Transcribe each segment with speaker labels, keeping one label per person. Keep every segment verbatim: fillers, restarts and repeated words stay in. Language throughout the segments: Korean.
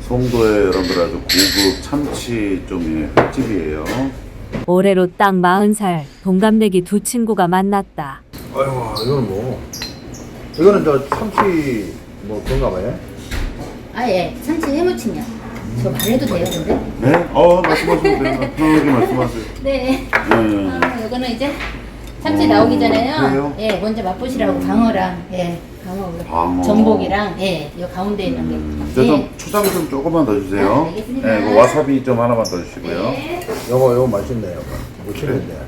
Speaker 1: 송도에 여러분들 아주 고급 참치종의 횟집이에요.
Speaker 2: 올해로 딱 마흔 살 동갑내기 두 친구가 만났다.
Speaker 3: 아이고, 이거는 뭐. 이거는 저 참치 뭐 그런가 봐요?
Speaker 4: 아, 예. 참치 해무침이요. 저 말해도 돼요, 근데?
Speaker 1: 네? 어, 말씀하셔도 돼요. 편하게 말씀하세요.
Speaker 4: 네.
Speaker 1: 네.
Speaker 4: 아, 이거는 이제 참치 나오기
Speaker 1: 오,
Speaker 4: 전에요.
Speaker 1: 그래요?
Speaker 4: 예, 먼저 맛보시라고 방어랑, 예, 방어,
Speaker 1: 방어.
Speaker 4: 전복이랑, 예, 이 가운데 있는 게.
Speaker 1: 음, 저 좀
Speaker 4: 예.
Speaker 1: 초장 좀 조금만 더 주세요.
Speaker 4: 아, 알겠습니다.
Speaker 1: 네, 그 와사비 좀 하나만 더 주시고요.
Speaker 4: 네.
Speaker 3: 요거 요거 맛있네 요거. 무침인데.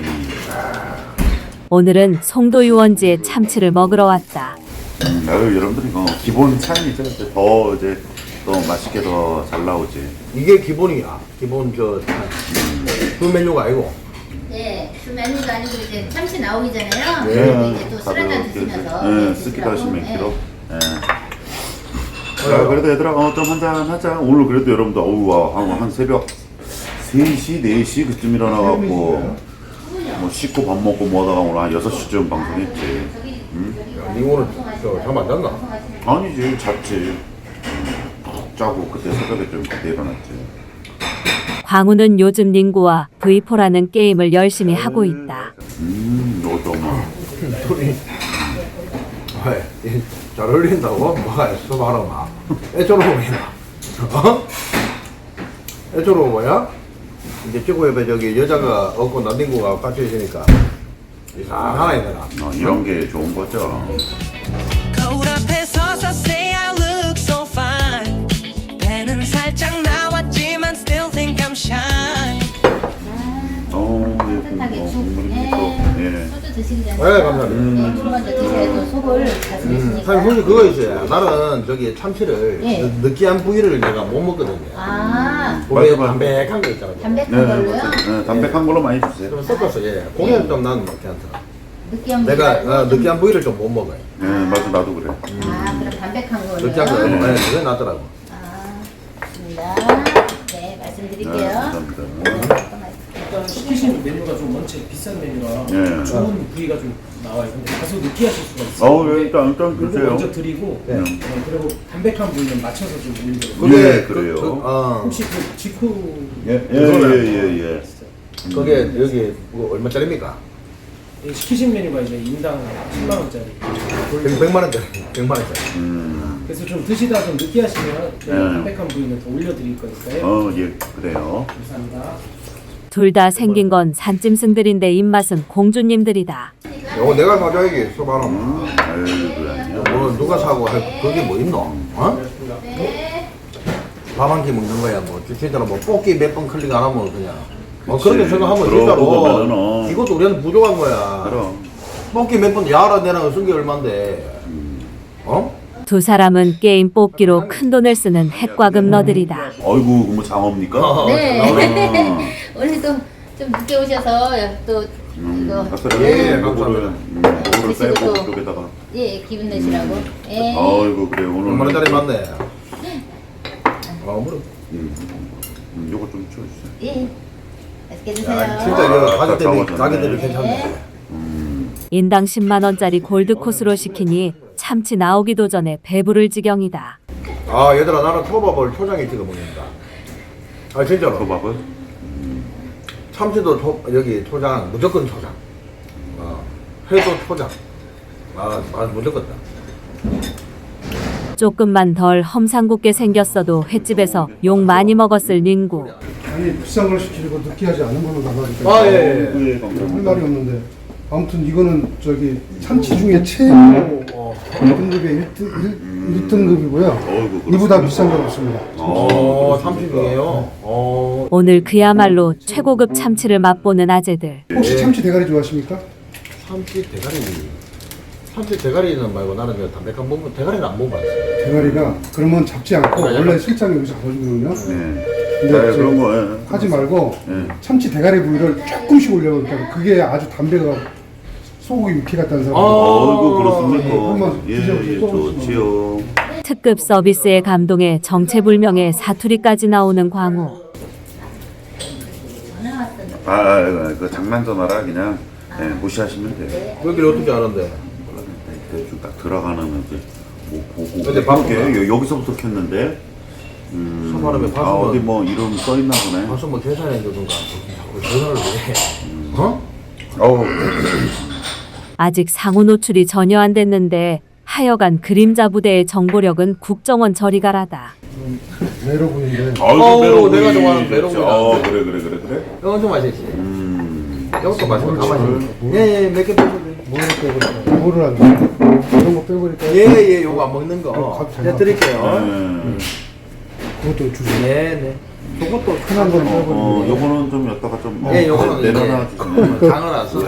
Speaker 2: 오늘은 송도 유원지에 참치를 먹으러 왔다.
Speaker 1: 음, 아유, 여러분들 이거 기본 차이죠. 이제 더 이제 또 맛있게 더 잘 나오지.
Speaker 3: 이게 기본이야. 기본 저 그 메뉴가 아니고.
Speaker 4: 네, 그 메뉴가 아니고 이제 참치 나오기 전에요.
Speaker 3: 네.
Speaker 4: 그리고 이제 또 술
Speaker 1: 다들
Speaker 4: 한잔
Speaker 1: 이렇게,
Speaker 4: 드시면서.
Speaker 1: 네,
Speaker 4: 예,
Speaker 1: 쓰기도 하시면
Speaker 4: 드시라고.
Speaker 1: 키로.
Speaker 4: 예.
Speaker 1: 네. 자, 그래도 얘들아, 어, 좀 한잔 하자. 오늘 그래도 여러분들, 어우, 와, 한, 한 새벽 세 시, 네 시 그쯤 일어나갖고, 뭐, 씻고 밥 먹고 뭐 하다가 오늘 한 여섯 시쯤 방송했지.
Speaker 3: 야, 니 오늘 저잠 안 잤나?
Speaker 1: 아니지, 잤지. 푹 자고 그때 새벽에 좀 그때 일어났지.
Speaker 2: 광우는 요즘 닝구와 브이포라는 게임을 열심히 하고 있다.
Speaker 1: 음, 이것도 엄마.
Speaker 3: 둘이 왜? 잘 어울린다고? 뭐가 있어 봐라 마. 애처로워 보이나? 어? 애처로워 보여? 이제 저거 옆에 저기 여자가 없고 남친구가 같이 있으니까 이상하나 이거나.
Speaker 1: 어, 이런 게 좋은 거죠.
Speaker 5: 거울 앞에 서서 say I look so fine. 배는 살짝 나왔지만 still think I'm shy.
Speaker 1: 어, 예,
Speaker 4: 따뜻하게
Speaker 1: 뭐,
Speaker 4: 죽,
Speaker 1: 국물이
Speaker 4: 예.
Speaker 1: 또, 예.
Speaker 4: 소주 드시기 전에.
Speaker 3: 네, 감사합니다.
Speaker 4: 네, 물 먼저 드셔야 또 속을
Speaker 3: 음,
Speaker 4: 다스리시니까.
Speaker 3: 사실 솔직히 그거 있어요. 나는 저기 참치를
Speaker 4: 예.
Speaker 3: 느- 느끼한 부위를 내가 못 먹거든요.
Speaker 4: 아,
Speaker 3: 고기에
Speaker 1: 맞아, 맞아.
Speaker 3: 담백한 거 있잖아요.
Speaker 4: 담백한
Speaker 1: 네,
Speaker 4: 걸로요?
Speaker 1: 맞아요. 네, 담백한 걸로 많이 주세요.
Speaker 3: 좀 섞어서 예. 고기는 좀 나는 먹지 않더라.
Speaker 4: 느끼한
Speaker 3: 내가
Speaker 4: 부위가
Speaker 3: 어, 느끼한 부위를 좀 못 먹어요.
Speaker 1: 네, 맞아, 나도 그래.
Speaker 4: 아, 그럼 담백한 거요?
Speaker 3: 느끼한 거, 네, 그게 낫더라고.
Speaker 4: 아, 좋습니다. 네,
Speaker 1: 네,
Speaker 4: 말씀드릴게요.
Speaker 1: 감사합니다.
Speaker 6: 일단 시키시는 메뉴가 좀 원체 비싼 메뉴라
Speaker 1: 예.
Speaker 6: 좋은 부위가 좀 나와요. 근데 다소 느끼하실 수가 있어요.
Speaker 1: 어우, 예, 일단, 일단
Speaker 6: 그리고
Speaker 1: 주세요.
Speaker 6: 먼저 드리고
Speaker 3: 네.
Speaker 6: 네, 그리고 담백한 부위는 맞춰서 좀 올리거든요.
Speaker 3: 그게
Speaker 1: 예,
Speaker 3: 그-
Speaker 1: 그래요.
Speaker 3: 그, 어,
Speaker 6: 혹시 그 직후
Speaker 1: 예, 예, 예, 예, 예.
Speaker 3: 그게 여기 뭐 얼마짜리입니까?
Speaker 6: 이 시키신 메뉴가 이제 인당 십만 원짜리.
Speaker 3: 백만 원짜리, 백만 원짜리.
Speaker 1: 음,
Speaker 6: 그래서 좀 드시다 좀 느끼하시면
Speaker 1: 네.
Speaker 6: 담백한 부위는 더 올려드릴 거니까요.
Speaker 1: 어, 예, 그래요.
Speaker 6: 감사합니다.
Speaker 2: 둘 다 생긴 건 산짐승들인데 입맛은 공주님들이다.
Speaker 3: 요거 내가 사줘야지, 소바로.
Speaker 1: 음, 아유, 그래, 아니야.
Speaker 3: 뭐 누가 사고 할 그게 뭐 있노? 어? 밥 한 끼 먹는 거야 뭐 진짜로 뭐 뽑기 몇 번 클릭 안 하면 그냥 뭐
Speaker 1: 그치.
Speaker 3: 그렇게 생각하면
Speaker 1: 그러고
Speaker 3: 진짜로
Speaker 1: 보면은 어.
Speaker 3: 이것도 우리한테 부족한 거야.
Speaker 1: 그럼.
Speaker 3: 뽑기 몇 번 야라 내랑 쓴 게 얼만데 어?
Speaker 2: 두 사람은 게임 뽑기로 큰 돈을 쓰는 핵과 금너들이다.
Speaker 1: 어이구, 뭐 장어입니까?
Speaker 3: 어,
Speaker 4: 네.
Speaker 1: 아,
Speaker 4: 오늘도 좀 늦게 오셔서 또
Speaker 1: 음,
Speaker 4: 이거
Speaker 1: 아까
Speaker 3: 예,
Speaker 1: 요거를,
Speaker 3: 감사합니다.
Speaker 1: 음, 요거를
Speaker 4: 드시고
Speaker 1: 빼고
Speaker 4: 또-
Speaker 1: 여기다가.
Speaker 4: 예 기분 내시라고. 예.
Speaker 1: 어이구, 그래, 오늘.
Speaker 3: 얼마 짜리 맞네. 어, 뭐.
Speaker 1: 음, 음, 요거 좀 치워주세요.
Speaker 4: 예. 맛있게 드세요.
Speaker 3: 야, 진짜 이거
Speaker 1: 아,
Speaker 3: 가격대비
Speaker 1: 잡아줬네.
Speaker 3: 가격대비 괜찮네.
Speaker 2: 인당 십만 원짜리 골드 코스로 시키니 참치 나오기도 전에 배부를 지경이다.
Speaker 3: 아 얘들아 나는 초밥을 초장에 찍어 먹는다. 아 진짜로.
Speaker 1: 초밥은?
Speaker 3: 참치도 초, 여기 초장 무조건 초장. 어, 회도 초장. 아, 아 무조건다.
Speaker 2: 조금만 덜 험상궂게 생겼어도 횟집에서 욕 많이 먹었을 닌구.
Speaker 7: 아니 비싼 걸 시키고 느끼하지 않은 걸로 나가니까
Speaker 3: 아 예. 예.
Speaker 1: 예,
Speaker 7: 할
Speaker 1: 감사합니다.
Speaker 7: 말이 없는데 아무튼 이거는 저기 참치 중에 최고
Speaker 3: 어.
Speaker 7: 등급의 일 등급이고요.
Speaker 1: 어이구,
Speaker 7: 이보다
Speaker 1: 그렇습니까?
Speaker 7: 비싼 건 없습니다.
Speaker 3: 어, 참치 중에요. 어.
Speaker 2: 오늘 그야말로 최고급 참치를 맛보는 아재들.
Speaker 7: 혹시
Speaker 3: 예.
Speaker 7: 참치 대가리 좋아하십니까?
Speaker 3: 참치 대가리. 참치 대가리는 말고 나는 그 담백한 부분 대가리는 안 먹어봤어.
Speaker 7: 대가리가 그러면 잡지 않고
Speaker 3: 그래,
Speaker 7: 원래
Speaker 3: 약간-
Speaker 7: 실장이 여기서 잡아주거든요.
Speaker 1: 네.
Speaker 7: 근데
Speaker 1: 네,
Speaker 7: 저-
Speaker 1: 그런 거, 예.
Speaker 7: 하지 말고
Speaker 1: 예.
Speaker 7: 참치 대가리 부위를 조금씩 올려놓으니까 그게 아주 담배가 소고기 육회 같다는 사람.
Speaker 3: 아.
Speaker 1: 어이구,
Speaker 7: 예,
Speaker 1: 그렇습니까?
Speaker 7: 한번
Speaker 1: 예,
Speaker 7: 드셔보세요.
Speaker 1: 예,
Speaker 7: 조금씩만.
Speaker 1: 좋지요.
Speaker 2: 특급 서비스에 감동해 정체불명의 사투리까지 나오는 광우.
Speaker 4: 전화 왔던데.
Speaker 1: 아, 아, 아, 그 장난 전화라 그냥 예, 무시하시면 돼요.
Speaker 3: 거기를 어떻게 아는데?
Speaker 1: 대충 딱 들어가는 이제 뭐 보고.
Speaker 3: 근데 바쁘구나.
Speaker 1: 여- 여기서부터 켰는데 음.
Speaker 3: 서바람에
Speaker 1: 아
Speaker 3: 봤으면
Speaker 1: 어디 뭐 이름 써 있나 보네.
Speaker 3: 가서 뭐 계산해 주든가 자꾸 전화를 왜 해? 어?
Speaker 1: 어우.
Speaker 2: 아직 상호 노출이 전혀 안 됐는데 하여간 그림자 부대의 정보력은 국정원 저리가라다.
Speaker 7: 메로군인데
Speaker 1: 아이고
Speaker 3: 어우,
Speaker 1: 메로구이.
Speaker 3: 내가 좋아하는 메로구이다.
Speaker 1: 어 그래 그래 그래 그래.
Speaker 3: 이거 엄청 맛있지.
Speaker 1: 음.
Speaker 3: 이것도 맛있고 다 맛있네. 예예 몇 개 빼주세요.
Speaker 7: 뭐를 빼버릴까? 뭐를 안 돼? 이런 거 빼버릴까?
Speaker 3: 예예 요거 안 먹는 거.
Speaker 7: 어,
Speaker 3: 제가 드릴게요.
Speaker 1: 음.
Speaker 7: 그것도 주세요.
Speaker 3: 네네. 저것도
Speaker 7: 흔한 건
Speaker 1: 어,
Speaker 7: 빼버리고.
Speaker 1: 어 요거는 좀 여기다가 좀 어,
Speaker 3: 예, 요거는
Speaker 1: 내려놔
Speaker 3: 이제
Speaker 1: 주시네.
Speaker 3: 장어라서.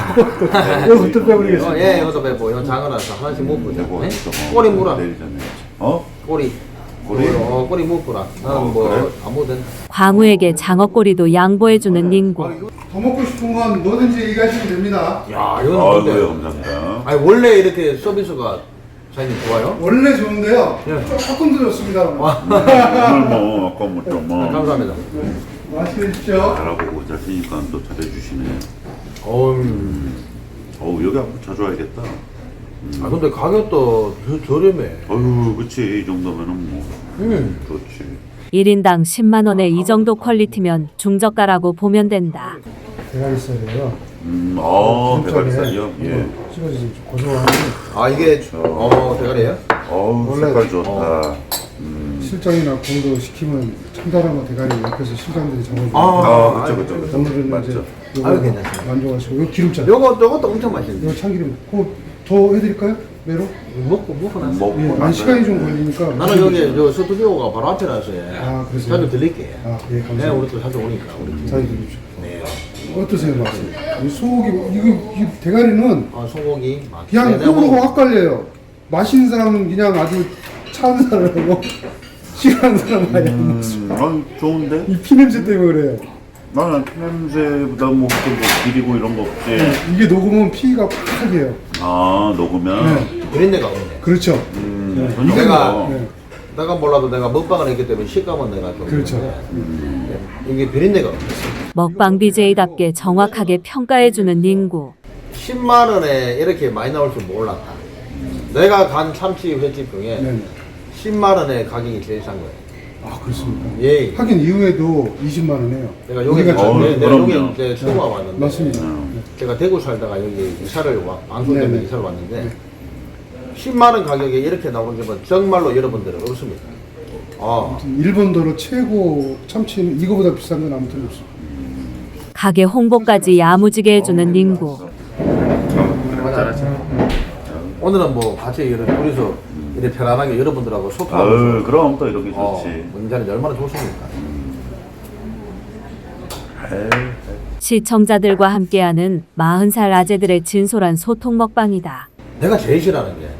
Speaker 7: 이거 또 빼버리겠습니다.
Speaker 3: 예, 이것도 빼고, 이거 장어라서 하나씩 묶고자.
Speaker 1: 요거
Speaker 3: 네?
Speaker 1: 좀, 어,
Speaker 3: 꼬리 물어.
Speaker 1: 내리잖아요. 어?
Speaker 3: 꼬리.
Speaker 1: 꼬리?
Speaker 3: 어, 꼬리 묶어라. 나는
Speaker 1: 어,
Speaker 3: 뭐,
Speaker 1: 그래?
Speaker 2: 음.
Speaker 3: 아무든.
Speaker 2: 광우에게 장어꼬리도 양보해주는 닝구.
Speaker 7: 더 먹고 싶은 건 뭐든지 얘기하시면 됩니다.
Speaker 3: 야, 이거는
Speaker 1: 아이고
Speaker 3: 근데.
Speaker 1: 감사합니다.
Speaker 3: 아니, 원래 이렇게 서비스가 사장님 좋아요?
Speaker 7: 원래 좋은데요.
Speaker 3: 예.
Speaker 7: 조금 더 좋습니다.
Speaker 1: 오늘 뭐 아까 뭐좀뭐
Speaker 3: 감사합니다.
Speaker 7: 맛있게 드십시오.
Speaker 1: 알아보고 자시니까 또 잘해주시네.
Speaker 3: 어우,
Speaker 1: 어우 여기 한번 자주 와야겠다.
Speaker 3: 아, 근데 가격도 저, 저렴해.
Speaker 1: 어휴 그치 이 정도면은 뭐
Speaker 3: 음.
Speaker 1: 좋지.
Speaker 2: 일 인당 십만 원에 이 정도 퀄리티면 중저가라고 보면 된다.
Speaker 7: 대가리살이에요.
Speaker 1: 음, 아
Speaker 7: 기름장에
Speaker 1: 대가리살이요? 예.
Speaker 7: 찍어서 좀 고소한.
Speaker 3: 아, 이게, 어, 대가리예요?
Speaker 1: 어우
Speaker 7: 원래-
Speaker 1: 색깔 좋다.
Speaker 7: 실장이나 공도 시키면 참다란 거 대가리 옆에서 실장들이 잡아줘요.
Speaker 3: 아,
Speaker 1: 아 그쵸 그쵸 그쵸.
Speaker 7: 오늘은
Speaker 1: 맞죠.
Speaker 7: 이제
Speaker 3: 아유,
Speaker 7: 요거
Speaker 3: 괜찮습니다.
Speaker 7: 만져가지고 요 기름장.
Speaker 3: 요거, 요것도 엄청 맛있는데.
Speaker 7: 요 참기름. 그거 더 해드릴까요? 메로?
Speaker 3: 먹고, 먹고 나서.
Speaker 1: 먹고
Speaker 7: 예, 한
Speaker 1: 나서
Speaker 7: 시간이 좀 걸리니까.
Speaker 3: 나는 여기 저 스튜디오가 바로 앞이라서 예.
Speaker 7: 아, 그러세요?
Speaker 3: 자주 들릴게.
Speaker 7: 아, 예,
Speaker 3: 네,
Speaker 7: 감사합니다.
Speaker 3: 우리 또 자주 오니까 우리.
Speaker 7: 잘 드십시오.
Speaker 3: 네.
Speaker 7: 어떠세요, 맛이? 이 소고기, 이거, 이 대가리는
Speaker 3: 아, 소고기. 맛.
Speaker 7: 그냥
Speaker 3: 네, 내가
Speaker 7: 호불호가
Speaker 3: 먹-
Speaker 7: 확 갈려요. 맛있는 사람은 그냥 아주 차은 사람이고, 싫어하는 사람은 아예 안 먹어.
Speaker 1: 음, 아 좋은데?
Speaker 7: 이 피냄새 때문에 그래요.
Speaker 1: 나는 피냄새보다 뭐, 좀 뭐 비리고 이런 거 없지.
Speaker 7: 네, 이게 녹으면 피가 팍해요.
Speaker 1: 아 녹으면.
Speaker 7: 네.
Speaker 3: 그런 데가 없네.
Speaker 7: 그렇죠.
Speaker 1: 음,
Speaker 7: 네.
Speaker 1: 전혀
Speaker 3: 내가-
Speaker 1: 없어.
Speaker 7: 네.
Speaker 3: 내가 몰라도 내가 먹방을 했기 때문에 식감은 내가 좀.
Speaker 7: 그렇죠.
Speaker 3: 있는데, 네. 이게 비린내가 없네.
Speaker 2: 먹방 비제이답게 정확하게 평가해주는 닝구.
Speaker 3: 십만 원에 이렇게 많이 나올 줄 몰랐다. 내가 간 참치 횟집 중에
Speaker 7: 네.
Speaker 3: 십만 원에 가격이 제일 싼 거예요.
Speaker 7: 아, 그렇습니까?
Speaker 3: 예.
Speaker 7: 하긴 이후에도 이십만 원 해요.
Speaker 3: 내가 여기
Speaker 7: 우리가
Speaker 1: 어,
Speaker 3: 내, 내가
Speaker 1: 그럼요.
Speaker 3: 여기 이제 처음 와봤는데.
Speaker 7: 맞습니다.
Speaker 1: 음.
Speaker 3: 제가 대구 살다가 여기 이사를 와, 방송 때문에
Speaker 7: 네네.
Speaker 3: 이사를 왔는데 십만 원 가격에 이렇게 나오는 집은 정말로 여러분들은 없습니다. 아,
Speaker 7: 일본도로 최고 참치는 이거보다 비싼 건 아무튼 없어.
Speaker 2: 가게 홍보까지 야무지게 해주는 닝구.
Speaker 3: 오늘은 뭐 같이 이렇게 둘이서 이렇게 편안하게 여러분들하고
Speaker 1: 아유
Speaker 3: 소통하면서
Speaker 1: 그럼 또 이렇게
Speaker 3: 어,
Speaker 1: 좋지.
Speaker 3: 문자는 얼마나 좋습니까?
Speaker 1: 에이,
Speaker 2: 시청자들과 함께하는 마흔 살 아재들의 진솔한 소통 먹방이다.
Speaker 3: 내가 제일 싫어하는 게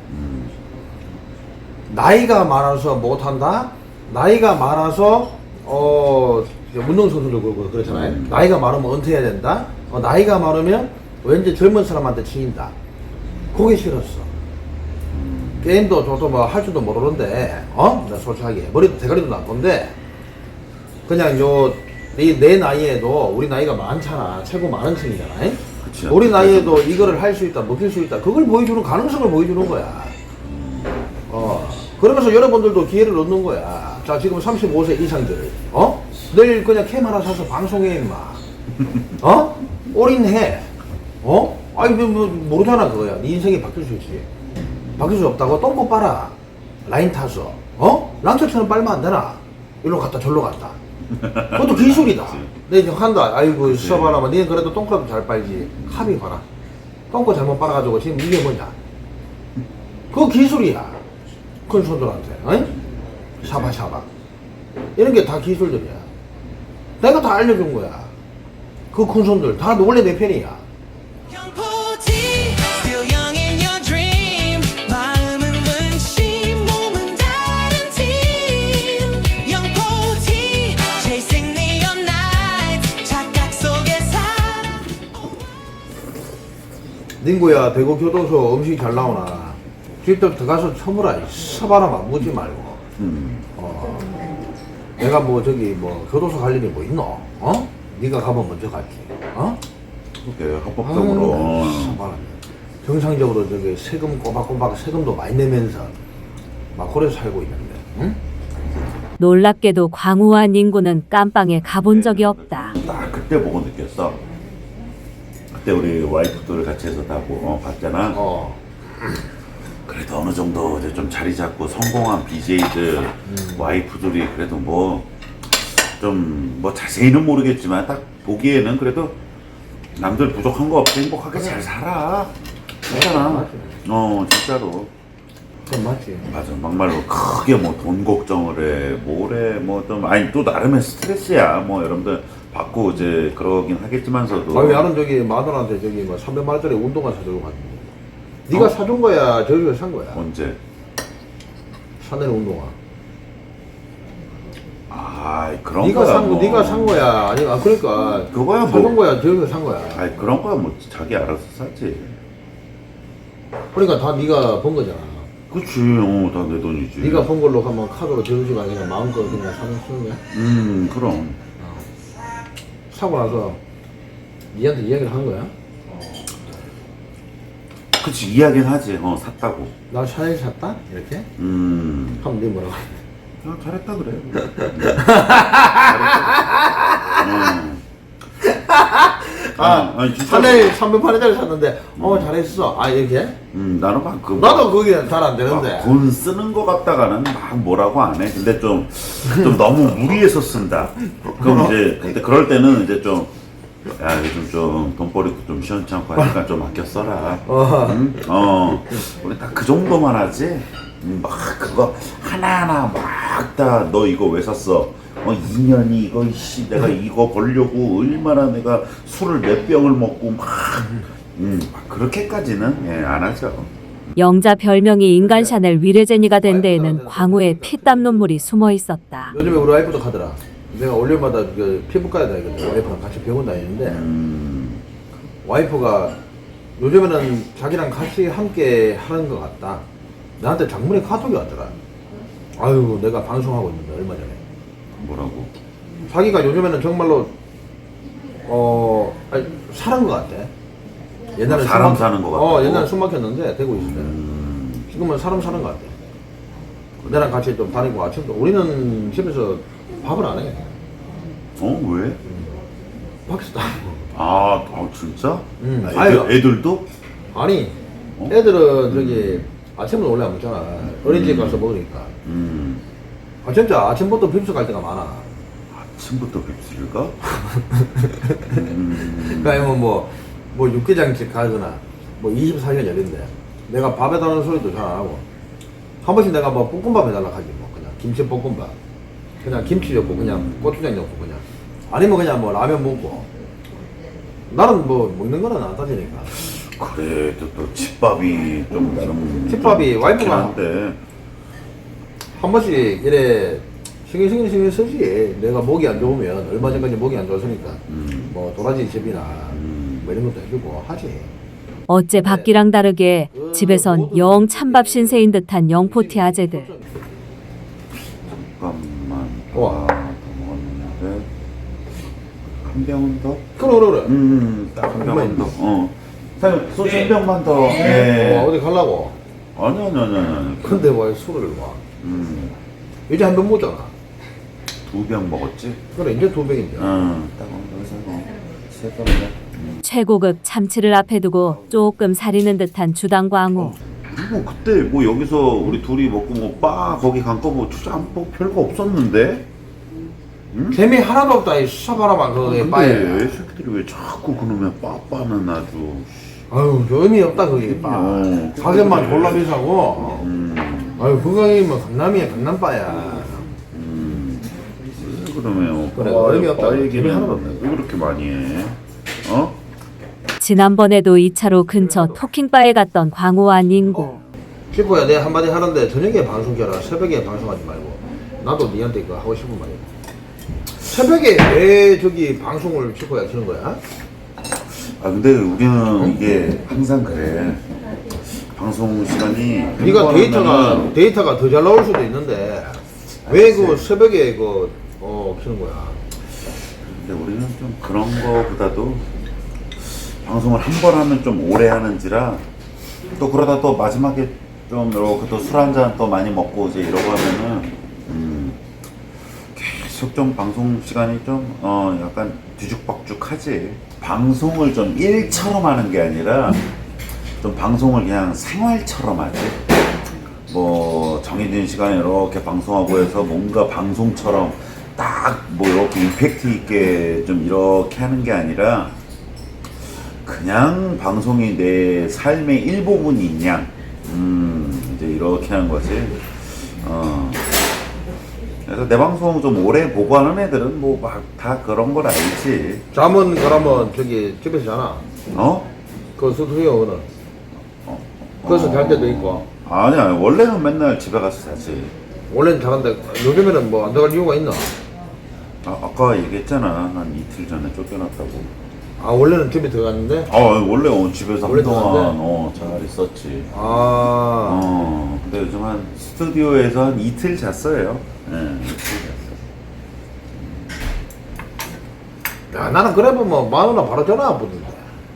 Speaker 3: 나이가 많아서 못한다? 나이가 많아서 어 운동선수도 그렇고 그렇잖아요.
Speaker 1: 음.
Speaker 3: 나이가 많으면 은퇴해야 된다? 어, 나이가 많으면 왠지 젊은 사람한테 치인다. 그게 싫었어. 게임도 저도 뭐 할 줄도 모르는데 어? 나 솔직하게 머리도 대가리도 나쁜데 그냥 요 내, 내 나이에도 우리 나이가 많잖아. 최고 많은 층이잖아.
Speaker 1: 그치.
Speaker 3: 우리 나이에도 이거를 할 수 있다, 먹힐 수 있다. 그걸 보여주는 가능성을 보여주는 거야. 어. 그러면서 여러분들도 기회를 얻는 거야. 자, 지금 삼십오 세 이상들, 어? 내일 그냥 캠 하나 사서 방송해, 임마. 어? 올인해. 어? 아니, 뭐, 뭐, 모르잖아, 그거야. 네 인생이 바뀔 수 있지. 바뀔 수 없다고 똥꼬 빨아. 라인 타서. 어? 랑처처럼 빨면 안 되나? 일로 갔다, 절로 갔다. 그것도 기술이다. 내 이제 한다. 아이고, 써봐라. 니는 그래도 똥꼬라도 잘 빨지. 합의 봐라. 똥꼬 잘못 빨아가지고 지금 이게 뭐냐? 그거 기술이야. 큰 손들한테, 어이? 샤바샤바. 이런 게 다 기술들이야. 내가 다 알려준 거야. 그 큰 손들 다 원래 내 편이야.
Speaker 5: 영포티, still young in your dream. 마음은 원심, 몸은 다른 팀. 영포티, chasing neon nights. 착각 속에 살아.
Speaker 3: 닝구야, 대구 교도소 음식 잘 나오나? 직접 들어가서 처물아. 서바라만 묻지 말고.
Speaker 1: 음.
Speaker 3: 어. 내가 뭐 저기 뭐 교도소 갈 일이 뭐 있노? 어? 네가 가면 먼저 갈게. 어?
Speaker 1: 그렇게 합법적으로. 어.
Speaker 3: 서바라. 정상적으로 저기 세금 꼬박꼬박 세금도 많이 내면서 막 그래 살고 있는데, 응?
Speaker 2: 놀랍게도 광우와 닝구는 깜빵에 가본 적이 없다.
Speaker 1: 딱 그때 보고 느꼈어. 그때 우리 와이프들 같이 해서 다 보, 어, 봤잖아.
Speaker 3: 어.
Speaker 1: 그래도 어느 정도 이제 좀 자리 잡고 성공한 비제이들 와이프들이 그래도 뭐 좀 뭐 자세히는 모르겠지만 딱 보기에는 그래도 남들 부족한 거 없이 행복하게 잘 살아. 그렇잖아. 어 진짜로.
Speaker 3: 그건 맞지.
Speaker 1: 맞아. 막말로 크게 뭐 돈 걱정을 해 뭐래 뭐 좀 아니 또 나름의 스트레스야. 뭐 여러분들 받고 이제 그러긴 하겠지만서도.
Speaker 3: 아니 나는 저기 마누라한테 저기 뭐 삼백만 원짜리 운동화 사주고 갔는데. 네가
Speaker 1: 어?
Speaker 3: 사준 거야, 저기서 산 거야.
Speaker 1: 언제?
Speaker 3: 샤넬 운동화.
Speaker 1: 아 그런
Speaker 3: 네가
Speaker 1: 거야.
Speaker 3: 산 거,
Speaker 1: 뭐.
Speaker 3: 네가 산 거야. 아니, 아 그러니까
Speaker 1: 그거야 뭐.
Speaker 3: 사준 거야, 저기서 산 거야.
Speaker 1: 아이 그런 거야 뭐 자기 알아서 사지.
Speaker 3: 그러니까 다 네가 번 거잖아.
Speaker 1: 그치, 어, 다 내 돈이지.
Speaker 3: 네가 번 걸로 하면 카드로 저주지가 그냥 마음껏 그냥 사면 쓰는 거야.
Speaker 1: 음, 그럼.
Speaker 3: 사고 나서 니한테 이야기를 한 거야.
Speaker 1: 그치, 이야기는 하지. 어, 샀다고.
Speaker 3: 나 샤넬 샀다? 이렇게?
Speaker 1: 음.
Speaker 3: 하면 네 뭐라고?
Speaker 1: 야, 잘했다 그래. 음. 잘했다.
Speaker 3: 아,
Speaker 1: 아니, 진짜.
Speaker 3: 샤넬 삼백만 원짜리 샀는데 어 잘했어. 아 이렇게?
Speaker 1: 음, 나는 막 그.
Speaker 3: 나도 그게 잘 안 되는데.
Speaker 1: 막 돈 쓰는 거 같다가는 막 뭐라고 안 해. 근데 좀, 좀 너무 무리해서 쓴다. 그럼 이제, 근데 그럴 때는 이제 좀, 야, 요즘 좀 돈벌이도 좀 시원찮고 하니까 좀 아껴 써라.
Speaker 3: 어.
Speaker 1: 응? 어. 우리 딱 그 정도만 하지? 음, 막 그거 하나하나 막 다 너 이거 왜 샀어? 어, 이 년이 이거, 씨, 내가 이거 벌려고 얼마나 내가 술을 몇 병을 먹고 막, 음, 막 그렇게까지는, 예, 안 하죠.
Speaker 2: 영자 별명이 인간 샤넬 위레제니가 된 데에는 광우의 피땀 눈물이 숨어 있었다.
Speaker 3: 요즘에 우리 와이프도 가더라. 내가 월요일마다 그 피부과에 다니거든. 와이프랑 같이 병원 다니는데
Speaker 1: 음,
Speaker 3: 와이프가 요즘에는 자기랑 같이 함께 하는 것 같다. 나한테 장문의 카톡이 왔더라. 아유 내가 방송하고 있는데 얼마 전에
Speaker 1: 뭐라고?
Speaker 3: 자기가 요즘에는 정말로 어 아니, 사는 것 같아. 옛날에
Speaker 1: 어, 사람
Speaker 3: 숨 막-
Speaker 1: 사는 것
Speaker 3: 어
Speaker 1: 같다고?
Speaker 3: 옛날에 숨 막혔는데 되고 있을 때
Speaker 1: 음,
Speaker 3: 지금은 사람 사는 것 같아. 내랑 같이 좀 다니고 아침도 우리는 집에서 밥을 안 해.
Speaker 1: 어, 왜?
Speaker 3: 밖에서 다
Speaker 1: 아, 아 진짜?
Speaker 3: 음,
Speaker 1: 아,
Speaker 3: 아유.
Speaker 1: 애들, 애들도?
Speaker 3: 아니
Speaker 1: 어?
Speaker 3: 애들은 저기 아침은 원래 안 먹잖아. 어린이집 가서 먹으니까.
Speaker 1: 음,
Speaker 3: 아 진짜 아침부터 빕스 갈 때가 많아.
Speaker 1: 아침부터 빕스를 가? 음,
Speaker 3: 그러니까 뭐, 뭐 육개장집 가거나 뭐 이십사 시간 열린대. 내가 밥 해달라는 소리도 잘 안 하고 한 번씩 내가 뭐 볶음밥 해달라 하지 뭐 그냥 김치 볶음밥 그냥 김치 넣고 그냥 고추장 넣고 그냥 아니면 그냥 뭐 라면 먹고 나는 뭐 먹는 거는 안 따지니까.
Speaker 1: 그래도 또 집밥이 좀 나름
Speaker 3: 집밥이
Speaker 1: 좀
Speaker 3: 와이프가-
Speaker 1: 좋긴 한데.
Speaker 3: 한 번씩 이래 신경 신경 신경 쓰지. 내가 목이 안 좋으면 얼마 전까지 목이 안 좋았으니까
Speaker 1: 음,
Speaker 3: 뭐 도라지 즙이나
Speaker 1: 음.
Speaker 3: 뭐 이런 것도 해주고 하지.
Speaker 2: 어째 밖이랑 다르게 집에선 영 찬밥 신세인 듯한 영포티 아재들.
Speaker 1: 잠깐만.
Speaker 3: 우와.
Speaker 1: 아, 더 먹었는데. 한 병은 더?
Speaker 3: 그래 그래 그래.
Speaker 1: 음, 딱 한 병은 더. 어. 사장님, 소주 한 병만 더.
Speaker 3: 어,
Speaker 1: 예.
Speaker 3: 어디 가려고?
Speaker 1: 아니, 아니, 아니, 아니.
Speaker 3: 근데 왜 술을 와?
Speaker 1: 음,
Speaker 3: 이제 한 병 먹잖아.
Speaker 1: 두 병 먹었지?
Speaker 3: 그래 이제 두 병인데.
Speaker 1: 응. 딱 여기서 뭐, 세 병이야.
Speaker 2: 최고급 참치를 앞에 두고 조금 사리는 듯한 주당 광우.
Speaker 1: 그리고 그때 뭐 여기서 우리 둘이 먹고 뭐 바 거기 간 거 뭐 진짜 뭐 별거 없었는데?
Speaker 3: 재미 하나도 없다 이 수사바라만 그게
Speaker 1: 근데
Speaker 3: 빠에.
Speaker 1: 새끼들이 왜 자꾸 그놈의 빠빠는 아주.
Speaker 3: 아유 저 의미 없다 그게 빠.
Speaker 1: 어,
Speaker 3: 가격만
Speaker 1: 그래.
Speaker 3: 졸라 비싸고.
Speaker 1: 음,
Speaker 3: 아유 그거이면 강남이야 강남빠야.
Speaker 1: 음. 그러면
Speaker 3: 그래,
Speaker 1: 빠,
Speaker 3: 의미 없다.
Speaker 1: 빠
Speaker 3: 재미
Speaker 1: 얘기는
Speaker 3: 하나도 없네.
Speaker 1: 왜 그렇게 많이 해? 어?
Speaker 2: 지난번에도 이 차로 근처 토킹바에 갔던 광우와 닝구.
Speaker 3: 슈퍼야 내가 한마디 하는데 저녁에 방송 켜라. 새벽에 방송하지 말고. 나도 니한테 그거 하고 싶은 말이야. 새벽에 왜 저기 방송을 슈퍼야 키는 거야?
Speaker 1: 아 근데 우리는 이게 항상 그래. 방송 시간이
Speaker 3: 네가 데이터가
Speaker 1: 한
Speaker 3: 데이터가 더 잘 나올 수도 있는데 왜 그 새벽에 그 어 키는 거야?
Speaker 1: 근데 우리는 좀 그런 거보다도 방송을 한 번 하면 좀 오래 하는지라 또 그러다 또 마지막에 좀 이렇게 또 술 한 잔 또 많이 먹고 이제 이러고 하면은 음 좀 방송 시간이 좀 어 약간 뒤죽박죽하지. 방송을 좀 일처럼 하는 게 아니라 좀 방송을 그냥 생활처럼 하지. 뭐 정해진 시간에 이렇게 방송하고 해서 뭔가 방송처럼 딱 뭐 이렇게 임팩트 있게 좀 이렇게 하는 게 아니라 그냥 방송이 내 삶의 일부분인 양, 음 이제 이렇게 하는 거지. 어 그래서 내 방송 좀 오래 보고 하는 애들은 뭐 막 다 그런 걸 알지.
Speaker 3: 잠은 그러면 저기 집에서 자나?
Speaker 1: 어?
Speaker 3: 그 스튜디오는 거기서 잘 때도 있고.
Speaker 1: 아니 아니 원래는 맨날 집에 가서 자지.
Speaker 3: 원래는 자는데 요즘에는 뭐 안 들어갈 이유가 있나?
Speaker 1: 아, 아까 얘기했잖아. 한 이틀 전에 쫓겨났다고.
Speaker 3: 아 원래는 집에 들어갔는데?
Speaker 1: 아 원래 어, 집에서
Speaker 3: 원래
Speaker 1: 한동안
Speaker 3: 들어갔는데?
Speaker 1: 어, 잘 있었지.
Speaker 3: 아
Speaker 1: 어 근데 요즘 한 스튜디오에서 한 이틀 잤어요. 예, 이틀 잤어.
Speaker 3: 야, 나는 그래 보면 마누라 바로 전화 안 붙는데.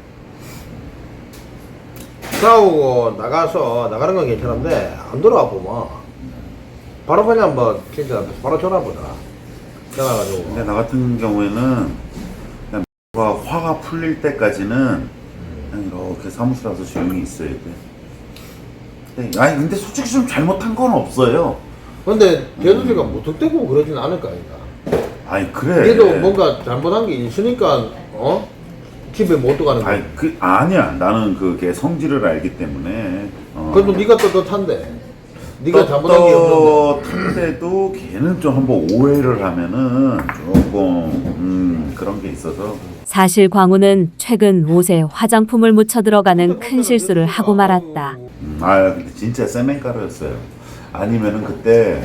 Speaker 3: 싸우고 나가서 나가는 건 괜찮은데 안 들어와 보면 바로 그냥 뭐 진짜 바로 전화 보더라. 전화 가지고.
Speaker 1: 근데 나 같은 경우에는 그냥 가 화가 풀릴 때까지는 그냥 이렇게 사무실 와서 조용히 있어야 돼. 근데, 아니 근데 솔직히 좀 잘못한 건 없어요.
Speaker 3: 근데 제주씨가 무턱대고 그러진 않을 거 아닌가.
Speaker 1: 아니 그래.
Speaker 3: 걔도 뭔가 잘못한 게 있으니까 어 집에 못 들어가는 거야.
Speaker 1: 아니 그 아니야. 나는 그게 성질을 알기 때문에. 어.
Speaker 3: 그래도 네가 떳떳한데. 네가 잘못한 게 없는데.
Speaker 1: 떳떳한데도 걔는 좀 한번 오해를 하면은 조금 음, 그런 게 있어서.
Speaker 2: 사실 광우는 최근 옷에 화장품을 묻혀 들어가는 큰 실수를 하고 말았다.
Speaker 1: 음, 아 근데 진짜 세멘가루였어요. 아니면은 그때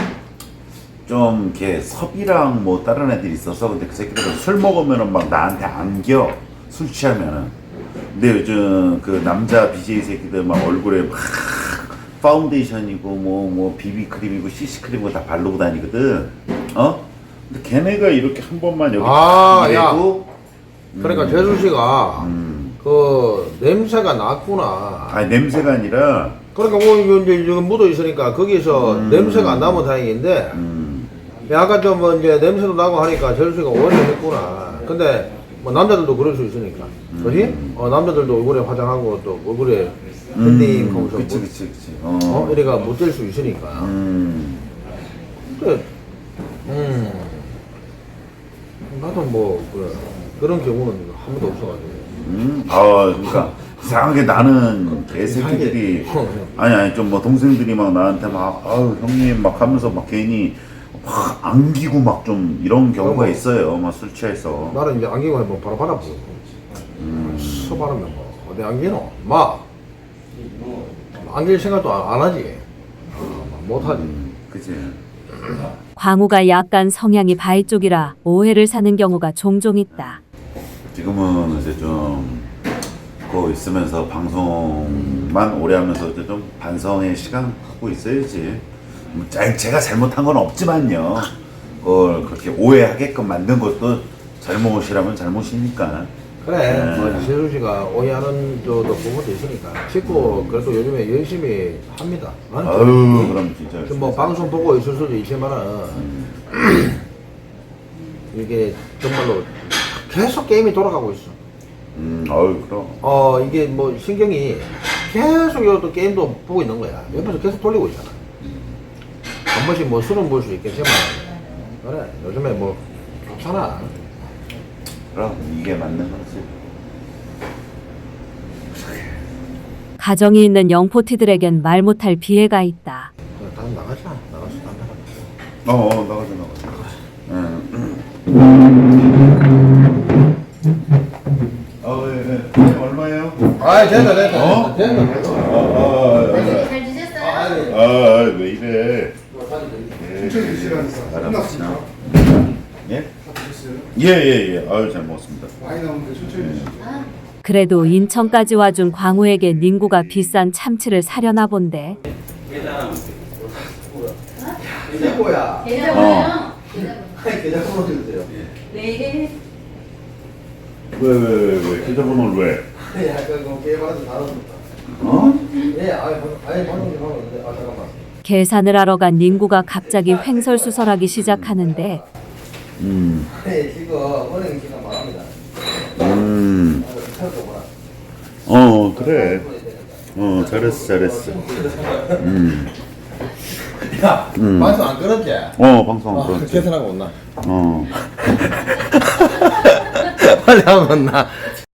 Speaker 1: 좀 이렇게 섭이랑 뭐 다른 애들이 있어서 근데 그 새끼들은 술 먹으면은 막 나한테 안겨. 술 취하면은. 근데 요즘 그 남자 비제이 새끼들 막 얼굴에 막 파운데이션이고 뭐 뭐 비비크림이고 씨씨크림이고 다 바르고 다니거든. 어? 근데 걔네가 이렇게 한 번만 여기
Speaker 3: 아,
Speaker 1: 이래고
Speaker 3: 그러니까 제주씨가
Speaker 1: 음.
Speaker 3: 그 냄새가 났구나.
Speaker 1: 아니 냄새가 아니라
Speaker 3: 그러니까 뭐 이거 이제 이거 묻어 있으니까 거기서
Speaker 1: 음.
Speaker 3: 냄새가 안 나면 다행인데
Speaker 1: 음,
Speaker 3: 약간 좀 뭐 이제 냄새도 나고 하니까 제주씨가 오해를 했구나. 근데 뭐 남자들도 그럴 수 있으니까, 그렇지? 어 남자들도 얼굴에 화장하고 또 얼굴에 핸딩
Speaker 1: 음,
Speaker 3: 하면서
Speaker 1: 그치
Speaker 3: 뭐,
Speaker 1: 그치 그치. 어.
Speaker 3: 어 이래가 묻을 수 있으니까.
Speaker 1: 음.
Speaker 3: 근데 음 나도 뭐 그래 그런 경우는 한 번도 없어가지고.
Speaker 1: 음, 아, 그러니까 이상하게 나는 개새끼들이
Speaker 3: 이상하게.
Speaker 1: 아니 아니 좀 뭐 동생들이 막 나한테 막 아유 형님 막 하면서 막 괜히 막 안기고 막 좀 이런 경우가
Speaker 3: 그럼.
Speaker 1: 있어요. 막 술 취해서.
Speaker 3: 나는 이제 안경을 한번 바로 받아보고 서바르면 뭐 어디 안기노? 막 안길 생각도 안, 안 하지. 어, 못하지.
Speaker 1: 음, 그치.
Speaker 2: 광우가 약간 성향이 바이 쪽이라 오해를 사는 경우가 종종 있다.
Speaker 1: 지금은 이제 좀 그거 있으면서 방송만 오래 하면서 이제 좀 반성의 시간 갖고 있어야지. 뭐 자- 제가 잘못한 건 없지만요. 그걸 그렇게 오해하게끔 만든 것도 잘못이라면 잘못이니까.
Speaker 3: 그래,
Speaker 1: 네.
Speaker 3: 뭐 세수 씨가 오해하는 저도 부분도 있으니까 찍고 그래도 요즘에 열심히 합니다. 어?
Speaker 1: 아유 그럼 진짜.
Speaker 3: 지금 뭐 방송 보고 있을 수도 있지만은 이게 정말로 계속 게임이 돌아가고 있어.
Speaker 1: 음, 아유 그럼.
Speaker 3: 어 이게 뭐 신경이 계속 이것도 게임도 보고 있는 거야. 옆에서 계속 돌리고 있잖아. 한 번씩 뭐 술은 볼 수 있겠지만 그래 요즘에 뭐 좋잖아.
Speaker 1: 그럼 이게 맞는 거지.
Speaker 2: 가정이 있는 영포티들에겐 말 못할 비애가 있다.
Speaker 3: 그래, 다음 나가자. 나가서 담배 하나.
Speaker 1: 어, 어 나가자 나가자. 응. 어, 예, 예. 네, 얼마예요?
Speaker 3: 아 됐다 됐다.
Speaker 1: 어?
Speaker 3: 됐다.
Speaker 1: 아, 아, 아,
Speaker 4: 잘 지냈어요?
Speaker 1: 아, 아, 왜 이래? 예,
Speaker 7: 천천히 드시라니까.
Speaker 1: 알았습니다.
Speaker 7: 끝났습니다.
Speaker 1: 예?
Speaker 7: 다 드셨어요?
Speaker 1: 예, 예, 예. 아유, 잘 먹었습니다.
Speaker 7: 많이 나오는데 천천히 드시죠.
Speaker 2: 그래도 인천까지 와준 광우에게 닝구가 비싼 참치를 사려나 본데.
Speaker 3: 이거야.
Speaker 4: 계좌번호요?
Speaker 3: 계좌 번호 주세요.
Speaker 4: 네.
Speaker 1: 왜, 왜, 왜, 왜? 계좌번호를 왜?
Speaker 3: 약간 그 게임하는 다릅니다.
Speaker 1: 어?
Speaker 3: 예, 아예 방- 아예 방송 좀 하고 있는데 아 잠깐만.
Speaker 2: 계산을 하러 간 닝구가 갑자기 횡설수설하기 시작하는데
Speaker 1: 음.
Speaker 3: 네, 지금 은행 시간 바랍니다.
Speaker 1: 음. 어, 그래. 어, 잘했어, 잘했어. 음.
Speaker 3: 야,
Speaker 1: 음.
Speaker 3: 방송 안 끊었지?
Speaker 1: 어, 방송
Speaker 3: 어,
Speaker 1: 그렇지.
Speaker 3: 계산하고 온나?
Speaker 1: 어.
Speaker 3: 빨리 하면 온나?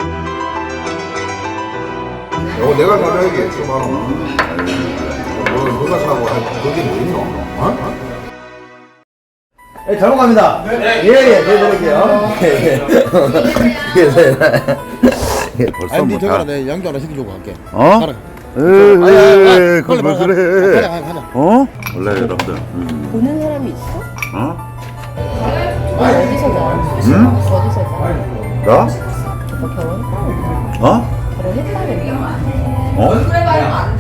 Speaker 3: 어, 내가 사줘야지, 좀 하나. 뭐, 누가 사고, 할 그게 뭐 있노? 어? 예, 잘 먹갑니다. 예, 예, 드릴게요. 예, 예. 예,
Speaker 1: 벌써
Speaker 3: 아니,
Speaker 1: 뭐
Speaker 3: 니 저거라
Speaker 1: 다.
Speaker 3: 내 양도 하나 시켜주고 갈게.
Speaker 1: 어?
Speaker 3: 가라.
Speaker 1: 에이,
Speaker 3: 아니, 아니, 아니,
Speaker 1: 에이, 그걸 왜
Speaker 3: 빨리, 빨리,
Speaker 1: 그래?
Speaker 3: 빨리 가자, 가자.
Speaker 1: 어? 원래 여러분들. 음.
Speaker 4: 보는 사람이 있어?
Speaker 1: 어?
Speaker 4: 어디서 자?
Speaker 1: 응?
Speaker 4: 어디서 자?
Speaker 1: 나?
Speaker 4: 오빠 결혼?
Speaker 1: 어?
Speaker 4: 결혼했다는데.
Speaker 1: 어?